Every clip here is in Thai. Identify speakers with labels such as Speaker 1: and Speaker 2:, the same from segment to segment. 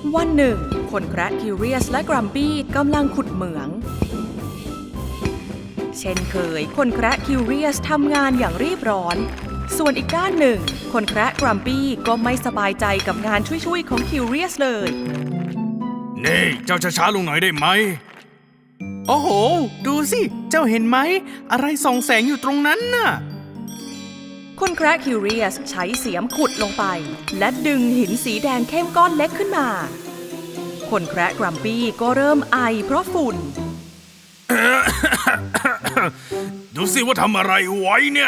Speaker 1: วันหนึ่งคนแคระคิวเรียสและกรัมปี้กำลังขุดเหมืองเช่นเคยคนแคระคิวเรียสทำงานอย่างรีบร้อนส่วนอีกด้านหนึ่งคนแคระกรัมปี้ก็ไม่สบายใจกับงานช่วยๆของคิวเรียสเลย
Speaker 2: นี่เจ้าช้าๆลงหน่อยได้ไหม
Speaker 3: โอ้โหดูสิเจ้าเห็นไหมอะไรส่องแสงอยู่ตรงนั้นน่ะ
Speaker 1: คนแคระคิวเรียสใช้เสียมขุดลงไปและดึงหินสีแดงเข้มก้อนเล็กขึ้นมาคนแคระกรัมปี้ก็เริ่มไอเพราะฝุ่น
Speaker 2: ดูสิว่าทำอะไรไว้เนี่ย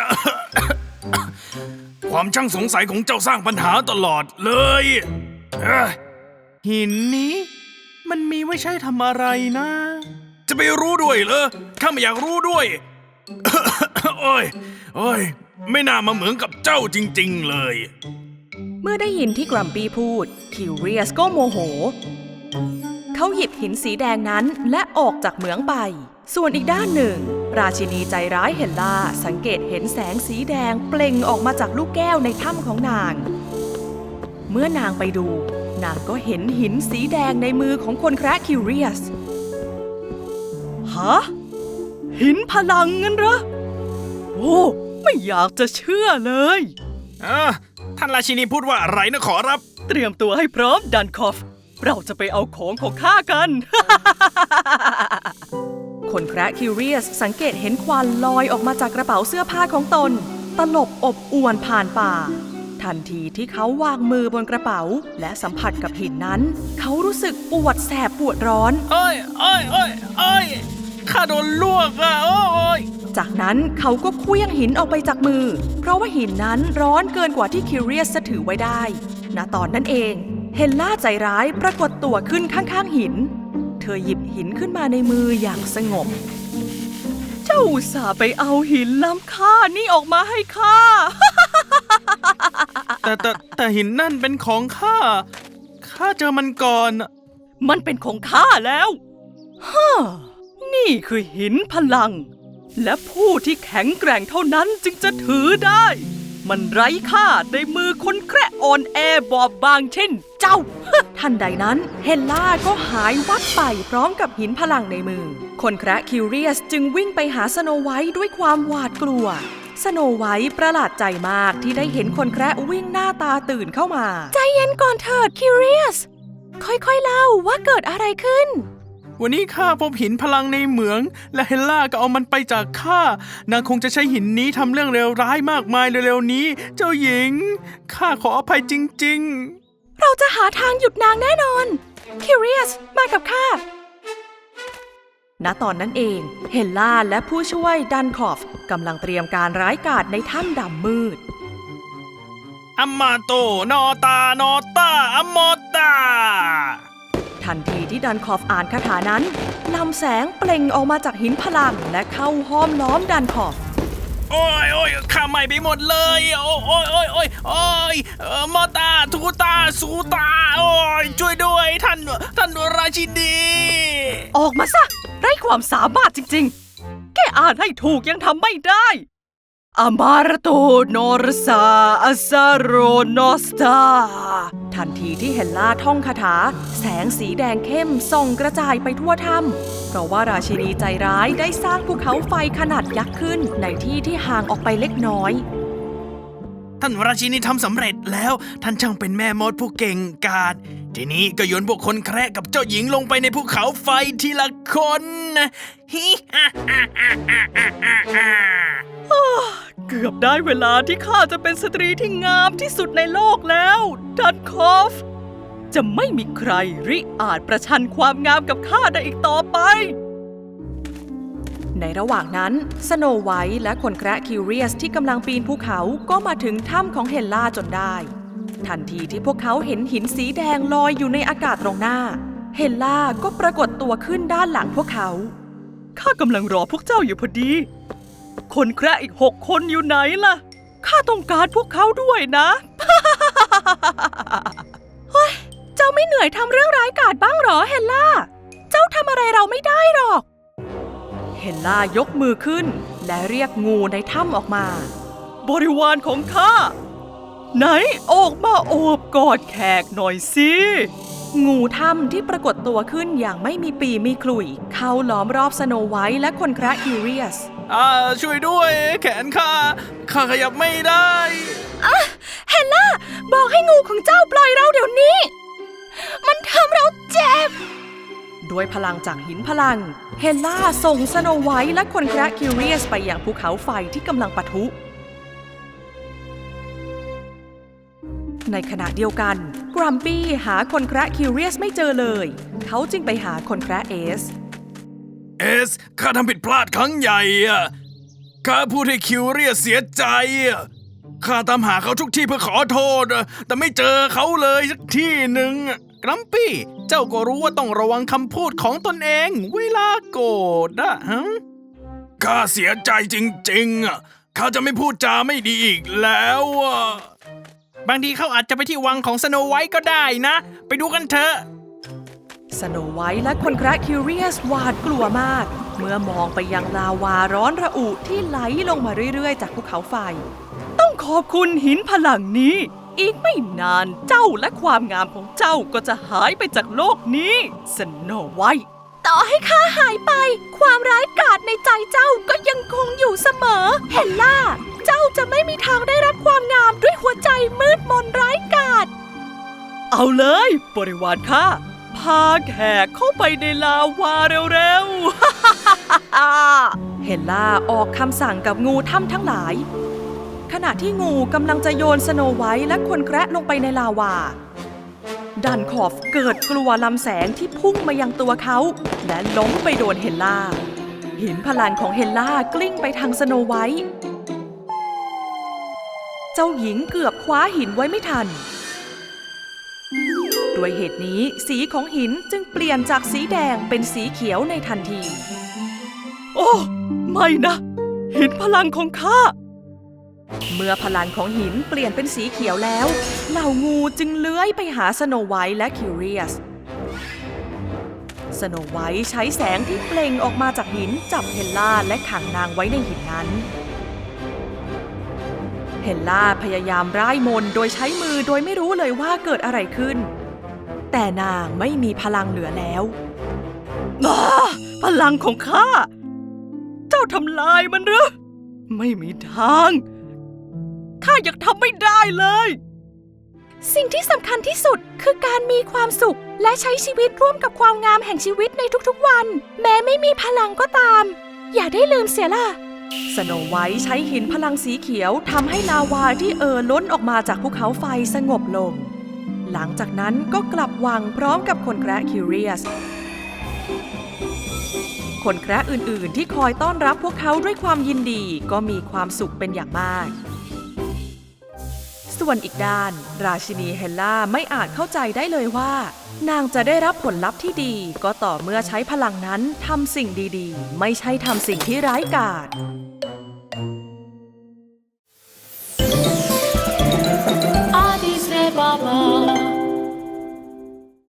Speaker 2: ความช่างสงสัยของเจ้าสร้างปัญหาตลอดเลย
Speaker 3: หินนี้มันมีไว้ใช้ทำอะไรนะ
Speaker 2: จะไปรู้ด้วยเหรอข้าไม่อยากรู้ด้วย โอ้ยไม่น่ามาเหมือนกับเจ้าจริงๆเลย
Speaker 1: เมื่อได้ยินที่กรัมปี้พูดคิวเรียสก็โมโหเขาหยิบหินสีแดงนั้นและออกจากเหมืองไปส่วนอีกด้านหนึ่งราชินีใจร้ายเฮลล่าสังเกตเห็นแสงสีแดงเปล่งออกมาจากลูกแก้วในถ้ำของนางเมื่อนางไปดูนางก็เห็นหินสีแดงในมือของคนแคระคิวเรียสฮะหินพลังงั้นเหรอโอ้ไม่อยากจะเชื่อเลย
Speaker 2: ท่านราชินีพูดว่าอะไรนะขอรับ
Speaker 1: เตรียมตัวให้พร้อมดันคอฟเราจะไปเอาของข้ากัน คนแคระคิวเรียสสังเกตเห็นควันลอยออกมาจากกระเป๋าเสื้อผ้าของตนตลบอบอวนผ่านป่าทันทีที่เขาวางมือบนกระเป๋าและสัมผัสกับหินนั้นเขารู้สึกปวดแสบปวดร้อน
Speaker 3: โอ้ยข้าโดนลวกอ่ะโอ้ย
Speaker 1: จากนั้นเขาก็เคลื่องหินออกไปจากมือเพราะว่าหินนั้นร้อนเกินกว่าที่คิวเรียสจะถือไว้ได้ณตอนนั้นเองเฮลล่าใจร้ายปรากฏตัวขึ้นข้างๆหินเธอหยิบหินขึ้นมาในมืออย่างสงบเจ้าอุตส่าห์ไปเอาหินล้ำค่านี่ออกมาให้ข้า
Speaker 3: แต่หินนั่นเป็นของข้าเจอมันก่อน
Speaker 1: มันเป็นของข้าแล้วฮ่านี่คือหินพลังและผู้ที่แข็งแกร่งเท่านั้นจึงจะถือได้มันไร้ค่าในมือคนแคระอ่อนแอบอบบางเช่นเจ้า ทันใดนั้นเฮลล่าก็หายวับไปพร้อมกับหินพลังในมือคนแคระคิวเรียสจึงวิ่งไปหาสโนไวท์ด้วยความหวาดกลัวสโนไวท์ประหลาดใจมากที่ได้เห็นคนแคระวิ่งหน้าตาตื่นเข้ามาใจเย็นก่อนเถิดคิวเรียสค่อยๆเล่าว่าเกิดอะไรขึ้น
Speaker 3: วันนี้ข้าพบหินพลังในเหมืองและเฮลล่าก็เอามันไปจากข้านางคงจะใช้หินนี้ทำเรื่องเลวร้ายมากมายเร็วๆนี้เจ้าหญิงข้าขออภัยจริง
Speaker 1: ๆเราจะหาทางหยุดนางแน่นอนคิวเรียสมากับข้าณตอนนั้นเองเฮลล่าและผู้ช่วยดันคอฟกำลังเตรียมการร้ายกาจในถ้ำดำมืด
Speaker 2: อัมมาโตนอตอัมมอตา
Speaker 1: ทันทีที่ดันคอฟอ่านคาถานั้นลำแสงเปล่งออกมาจากหินพลังและเข้าห้อมล้อมดันคอฟ
Speaker 2: โอ้ยข้าใหม่ไปหมดเลยโอ้ยมอตาทูตาสูตาโอ้ยช่วยด้วยท่านราชินี
Speaker 1: ออกมาซะไร้ความสามารถจริงๆแค่อ่านให้ถูกยังทำไม่ได้อามาราโตโนรซาอาซาโรโนสตาทันทีที่เฮลล่าท่องคาถาแสงสีแดงเข้มส่องกระจายไปทั่วถ้ำเพราะว่าราชินีใจร้ายได้สร้างภูเขาไฟขนาดยักษ์ขึ้นในที่ที่ห่างออกไปเล็กน้อย
Speaker 2: ท่านราชินีทำสำเร็จแล้วท่านช่างเป็นแม่มดผู้เก่งกาจทีนี้ก็โยนพวกคนแคระกับเจ้าหญิงลงไปในภูเขาไฟทีละคนฮิ
Speaker 1: เกือบได้เวลาที่ข้าจะเป็นสตรีที่งามที่สุดในโลกแล้วดันคอฟจะไม่มีใครริอาจประชันความงามกับข้าได้อีกต่อไปในระหว่างนั้นสโนไวท์และคนแคระคิวเรียสที่กำลังปีนภูเขาก็มาถึงถ้ำของเฮลล่าจนได้ทันทีที่พวกเขาเห็นหินสีแดงลอยอยู่ในอากาศตรงหน้าเฮลล่าก็ปรากฏตัวขึ้นด้านหลังพวกเขาข้ากำลังรอพวกเจ้าอยู่พอดีคนแคระอีก6 คนอยู่ไหนล่ะข้าต้องการพวกเขาด้วยนะ เฮ้ยเจ้าไม่เหนื่อยทำเรื่องร้ายกาจบ้างหรอเฮลล่าเจ้าทำอะไรเราไม่ได้หรอกเฮลล่ายกมือขึ้นและเรียกงูในถ้ำออกมาบริวารของข้าไหนออกมาโอบกอดแขกหน่อยสิงูถ้ำที่ปรากฏตัวขึ้นอย่างไม่มีปีมีขลุ่ยเข้าล้อมรอบสโนไวท์และคนแคระคิวเรียส
Speaker 3: ช่วยด้วย แขนข้าขยับไม่ได้
Speaker 1: เฮลล่าบอกให้งูของเจ้าปล่อยเราเดี๋ยวนี้ มันทำเราเจ็บ ด้วยพลังจากหินพลัง เฮลล่าส่งสโนไวท์และคนแคระคิวเรียสไปยังภูเขาไฟที่กำลังปะทุ ในขณะเดียวกันกรัมปี้หาคนแคระคิวเรียสไม่เจอเลย เขาจึงไปหาคนแคระเอส
Speaker 2: ข้าทำผิดพลาดครั้งใหญ่อะข้าพูดให้คิวเรียสเสียใจอะข้าตามหาเขาทุกที่เพื่อขอโทษอะแต่ไม่เจอเขาเลยสักที่หนึ่งอะ
Speaker 3: กรัมปี้ เจ้าก็รู้ว่าต้องระวังคำพูดของตนเองเวลาโกรธอะฮะ
Speaker 2: ข้าเสียใจจริงๆอะข้าจะไม่พูดจาไม่ดีอีกแล้วอะ
Speaker 3: บางทีเขาอาจจะไปที่วังของสโนไวท์ก็ได้นะ ไปดูกันเถอะ
Speaker 1: สโนไวท์และคนแคระคิวเรียสหวาดกลัวมาก เมื่อมองไปยังลาวาร้อนระอุที่ไหลลงมาเรื่อยๆจากภูเขาไฟ ต้องขอบคุณหินพลังนี้ อีกไม่นานเจ้าและความงามของเจ้าก็จะหายไปจากโลกนี้สโนไวท์ต่อให้ข้าหายไป ความร้ายกาจในใจเจ้าก็ยังคงอยู่เสมอ เฮลล่า เจ้าจะไม่มีทางได้รับความงามด้วยหัวใจมืดมนร้ายกาจ เอาเลยบริวารข้าพาแขกเข้าไปในลาวาเร็วๆ เฮลล่าออกคำสั่งกับงูถ้ำทั้งหลาย ขณะที่งูกำลังจะโยนสโนไวท์และคนแคระลงไปในลาวา ดันคอฟเกิดกลัวลำแสงที่พุ่งมายังตัวเขา และล้มไปโดนเฮลล่า หินพลังของเฮลล่ากลิ้งไปทางสโนไวท์เจ้าหญิงเกือบคว้าหินไว้ไม่ทัน ด้วยเหตุนี้สีของหินจึงเปลี่ยนจากสีแดงเป็นสีเขียวในทันที โอ้ไม่นะ หินพลังของข้า เมื่อพลังของหินเปลี่ยนเป็นสีเขียวแล้วเหล่างูจึงเลื้อยไปหาสโนไวท์และคิวเรียส สโนไวท์ใช้แสงที่เปล่งออกมาจากหินจับเฮลล่าและขังนางไว้ในหินนั้น เฮลล่าพยายามร่ายมนต์โดยใช้มือโดยไม่รู้เลยว่าเกิดอะไรขึ้น แต่นางไม่มีพลังเหลือแล้วพลังของข้า เจ้าทำลายมันหรือไม่มีทางข้ายังทำไม่ได้เลย สิ่งที่สำคัญที่สุดคือการมีความสุขและใช้ชีวิตร่วมกับความงามแห่งชีวิตในทุกๆวันแม้ไม่มีพลังก็ตามอย่าได้ลืมเสียล่ะสโนไวท์ใช้หินพลังสีเขียวทำให้ลาวาที่ล้นออกมาจากภูเขาไฟสงบลงหลังจากนั้นก็กลับวังพร้อมกับคนแคระคิวเรียส คนแคระอื่นๆที่คอยต้อนรับพวกเขาด้วยความยินดีก็มีความสุขเป็นอย่างมากส่วนอีกด้านราชินีเฮลล่าไม่อาจเข้าใจได้เลยว่านางจะได้รับผลลัพธ์ที่ดีก็ต่อเมื่อใช้พลังนั้นทำสิ่งดีๆไม่ใช่ทำสิ่งที่ร้ายกาจ
Speaker 4: Addis Ababa